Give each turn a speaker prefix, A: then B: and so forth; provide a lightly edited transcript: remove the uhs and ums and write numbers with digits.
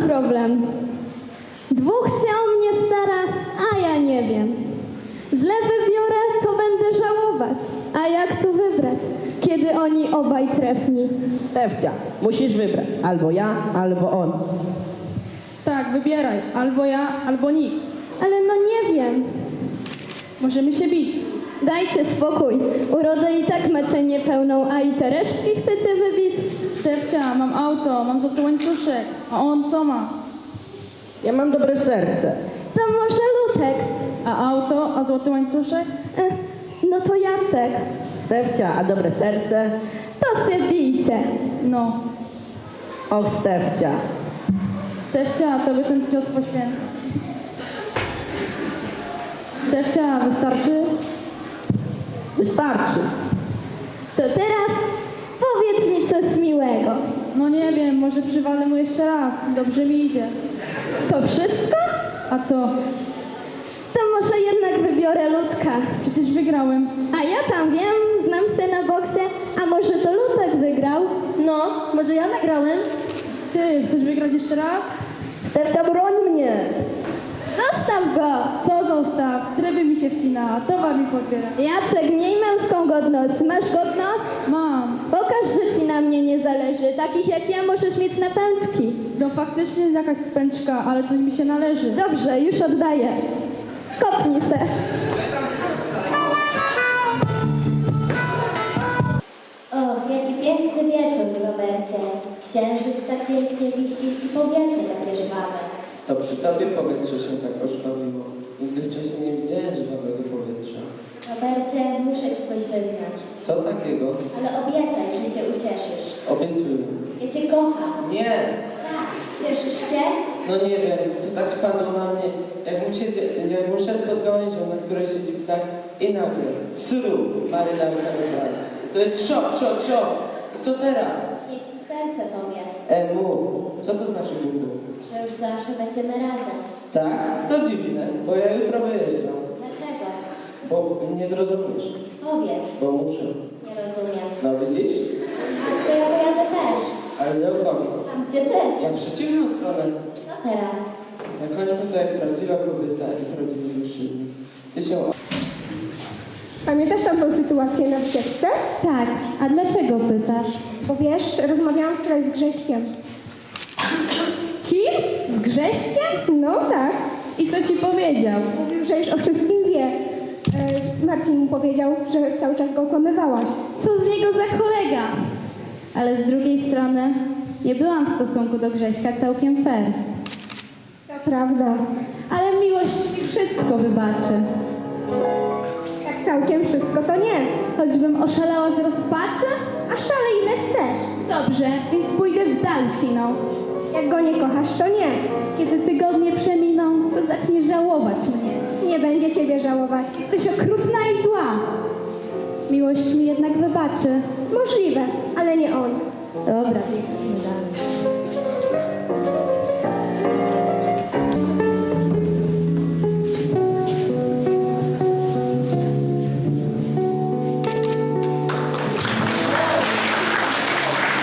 A: problem. Dwóch się o mnie stara, a ja nie wiem. Źle wybiorę, to będę żałować. A jak tu wybrać, kiedy oni obaj trefni?
B: Stefcia, musisz wybrać. Albo ja, albo on.
C: Tak, wybieraj. Albo ja, albo nikt.
A: Ale no nie wiem.
C: Możemy się bić.
A: Dajcie spokój. Urodę i tak macie niepełną, a i te resztki chcecie wybić?
C: Stefcia, mam auto, mam złoty łańcuszek. A on co ma?
B: Ja mam dobre serce.
A: To może Lutek.
C: A auto, a złoty łańcuszek?
A: No to Jacek.
B: Stefcia, a dobre serce?
A: To się bijcie.
C: No.
B: Och, Stefcia.
C: Stefcia, tobie ten cios poświęcę. Stefcia, wystarczy?
B: Wystarczy.
A: To teraz powiedz mi coś miłego.
C: No nie wiem, może przywalę mu jeszcze raz. Dobrze mi idzie.
A: To wszystko?
C: A co?
A: To może jednak wybiorę Ludka.
C: Przecież wygrałem.
A: A ja tam wiem, znam się na boksie, a może to Lutek wygrał?
B: No, może ja nagrałem?
C: Ty, chcesz wygrać jeszcze raz?
B: Stefcia, broń mnie.
A: Zostaw go!
C: Co zostaw? Tryby mi się wcina, towar mi podbiera.
A: Jacek, miej męską godność. Masz godność?
C: Mam.
A: Pokaż, że ci na mnie nie zależy. Takich jak ja możesz mieć na pętki.
C: No faktycznie jest jakaś spęczka, ale coś mi się należy.
A: Dobrze, już oddaję. Kopnij se.
D: O, jaki piękny wieczór, Robercie. Księżyc tak pięknie wisi i powietrze takie żwawe.
E: To przy tobie powietrze się tak ożwawiło. Nigdy wcześniej nie widziałem żwawego powietrza.
D: Robercie, muszę ci coś wyznać.
E: Co takiego?
D: Ale obiecaj, że się ucieszysz.
E: Obiecuję.
D: Ja cię kocham.
E: Nie!
D: Tak, cieszysz się?
E: No nie wiem, to tak spadło na mnie. Jakbym szedł pod gałęzią, na której siedzi ptak i nagle sru, marynarka wybrana. To jest szok. I co teraz?
D: Niech ci serce powie,
E: Mów. Co to znaczy mów?
D: że już zawsze będziemy razem.
E: Tak? To dziwne, bo ja jutro wyjeżdżam.
D: Dlaczego?
E: Bo nie zrozumiesz.
D: Powiedz.
E: Bo muszę.
D: Nie rozumiem.
E: No widzisz?
D: A to ja pojadę też.
E: Ale nie okłamie.
D: Tam gdzie ty?
E: Ja w przeciwną stronę.
D: Co teraz?
E: Na końcu to jak prawdziwa kobieta i prawdziwy mężczyzna. Ty się...
F: Pamiętasz tamtą sytuację na ścieżce?
C: Tak, a dlaczego pytasz?
F: Bo wiesz, rozmawiałam wczoraj z Grześkiem.
C: Kim? Z Grześkiem?
F: No tak.
C: I co ci powiedział?
F: Mówił, że już o wszystkim wie. Marcin mu powiedział, że cały czas go okłamywałaś.
C: Co z niego za kolega? Ale z drugiej strony nie byłam w stosunku do Grześka całkiem fair.
F: To prawda.
C: Ale miłość mi wszystko wybaczy.
F: Tak całkiem wszystko to nie.
C: Choćbym oszalała z rozpaczy?
F: A szalej ile chcesz.
C: Dobrze, więc pójdę w dal siną.
F: Jak go nie kochasz, to nie.
C: Kiedy tygodnie przeminą, to zaczniesz żałować mnie.
F: Nie będzie ciebie żałować.
C: Jesteś okrutna i zła. Miłość mi jednak wybaczy.
F: Możliwe, ale nie on.
C: Dobra,